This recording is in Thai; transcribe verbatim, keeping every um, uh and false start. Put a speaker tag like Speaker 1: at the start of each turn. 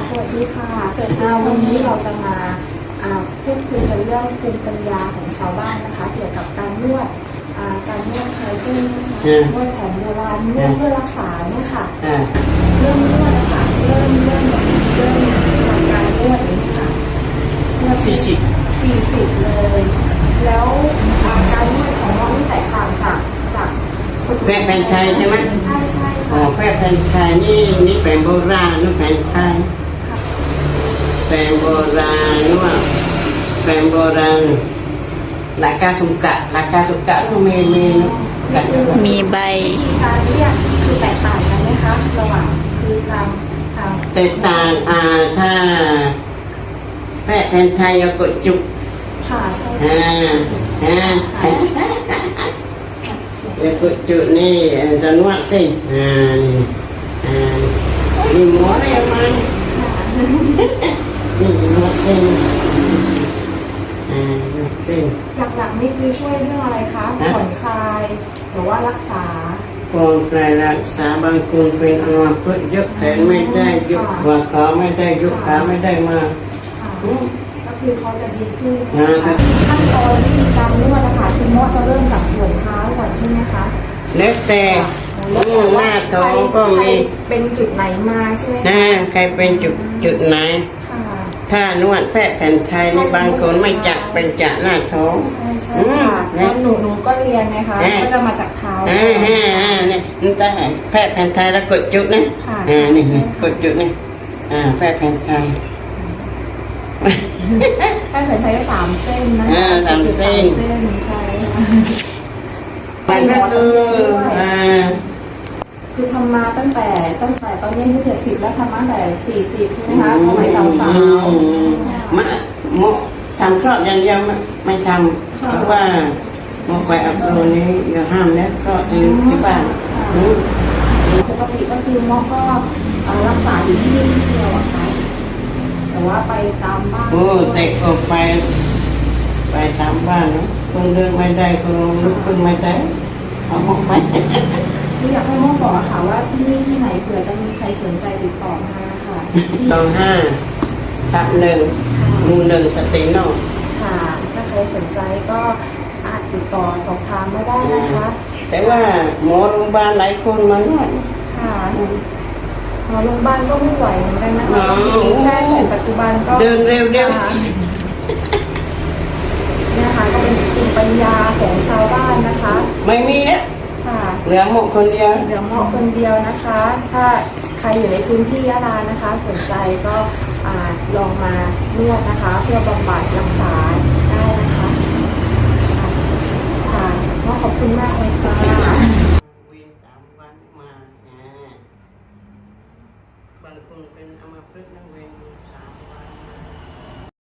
Speaker 1: สวัสดีค่ะสวัสดีวันนี้เราจะมาพูดคุยกันเรื่องภูมิปัญญาของชาวบ้านนะคะเกี่ยวกับการนวดการนวดไทยที่นวดแผนโบราณนวดเพื่อรักษาเนี่ยค่ะเริ่มนวดนะคะเริ่มเริ่มเริ่มทำการนวดนี้ค่ะนวดสี่สิบสี่สิบเลยแล้วการนวดของเราที่แตกต่างจากจาก
Speaker 2: แพทย์แผนไทยใช่ไหม
Speaker 1: ใช่ใช่
Speaker 2: อ๋อแพทย์แผนไทยนี่นี่แผนโบราณนี่แผนไทยแผนโบราณนี่ว่าแผนโบราณหลักการสุกะหลักการสุกะก็มีมี
Speaker 3: มีใบ
Speaker 1: การเรียกคือแตกต่างกันไหมคะระหว่างคือทางทาง
Speaker 2: แตกต่างอ่าถ้าแพทย์แผนไทยก็กดจุก
Speaker 1: ค่ะใช่
Speaker 2: อ่าอ่าแล้วกดจุกนี่จะนวดสิอ่านี่อ่านี่หมออะไรมานี่นวดเส้นอ่านวดเส้น
Speaker 1: หลักๆนี่คือช่วยเรื่องอะไรคะผ่อนคลายหรือว่ารักษา
Speaker 2: ผ่อนคลายรักษาบางคนเป็นอัมพฤกษ์ยกแขนไม่ได้ยกหัวขาไม่ได้ยกขาไม่ได้มา
Speaker 1: ก็คือเขาจะดีขึ้นขั้นตอนที่มีการนวดนะคะคุณหมอจะเริ่มจากส่วนเท้าก่อนใช่ไหมคะ
Speaker 2: แล้วแต่หน้าท้องก็มี
Speaker 1: เป็นจุดไหนมาใช่ไหม
Speaker 2: นะใครเป็นจุดจุดไหนถ้านวดแพทย์แผนไทยนี่บางคนไม่จักเป็นจักหน้าท้อง
Speaker 1: ใช่ค่ะหนูหนูก็เรียนนะคะก็จะมาจากเท้า
Speaker 2: อ่าอ่าอ่านี่นี่แต่แพทย์แผนไทยแล้วกดจุดนะอ่านี่กดจุดนี่อ่าแพทย์แผนไทย
Speaker 1: แพทย์แผนไทยสามเส้นนะ
Speaker 2: อ่าสามเส้น
Speaker 1: ใช่
Speaker 2: มันก็คืออ่า
Speaker 1: คือทำมาตั้งแต่ตั้งแต่ตอนนี้อายุเจ็ดสิบแล้วทำมาตั้งแต่สี่สิบใช่ไหมคะสมัยสาวสาว
Speaker 2: มาโมทำคลอดอย่างเดียวไม่ทำเพราะว่าโมไปอัพโหลดนี้อย่าห้ามแล้วก็อยู่ที่บ้าน
Speaker 1: ปกติก็คือหมอก็รักษาอยู่ที่นี่ที่เดียวอะค่ะแต่ว่าไปตามบ้าน
Speaker 2: โอ้แต่ก็ไปไปตามบ้านเนาะคนเดินไม่ได้คนลุกขึ้นไม่ได้เอาหมอกไป
Speaker 1: อยากให้หมอบอกค่ะว่าที่นี่ที่ไหนเผื่อจะมีใครสนใจติดต่อมาค่ะ
Speaker 2: ตองห้าทับหนึ่งมูหนึ่งสติโน
Speaker 1: ค่ะถ้าใครสนใจก็อาจติดต่อสอบถามมาได้นะคะ
Speaker 2: แต่ว่าหมอโรงพยาบาลหลายคนมาหน่อย
Speaker 1: ค่ะหมอโรงพยาบาลก็ไม่ไหวเหมือนกันนะคะแพทย์แผนปัจจุบันก็
Speaker 2: เดินเร็วเร็ว
Speaker 1: นี่นะคะก็เป็นภูมิปัญญาของชาวบ้านนะคะ
Speaker 2: ไม่มีเนี่ยเหลือหมกคนเดียว
Speaker 1: เหลือหมกคนเดียวนะคะถ้าใครอยู่ในพื้นที่ยะลานะคะสนใจก็ลองมานวดนะคะเพื่อบำบัดรักษาได้นะคะค่ะก็ขอบคุณมากเลยค่ะ
Speaker 2: เวียนสามวันมาบางคนเป็นอัมพฤกษ์นั่งเวียนสามวัน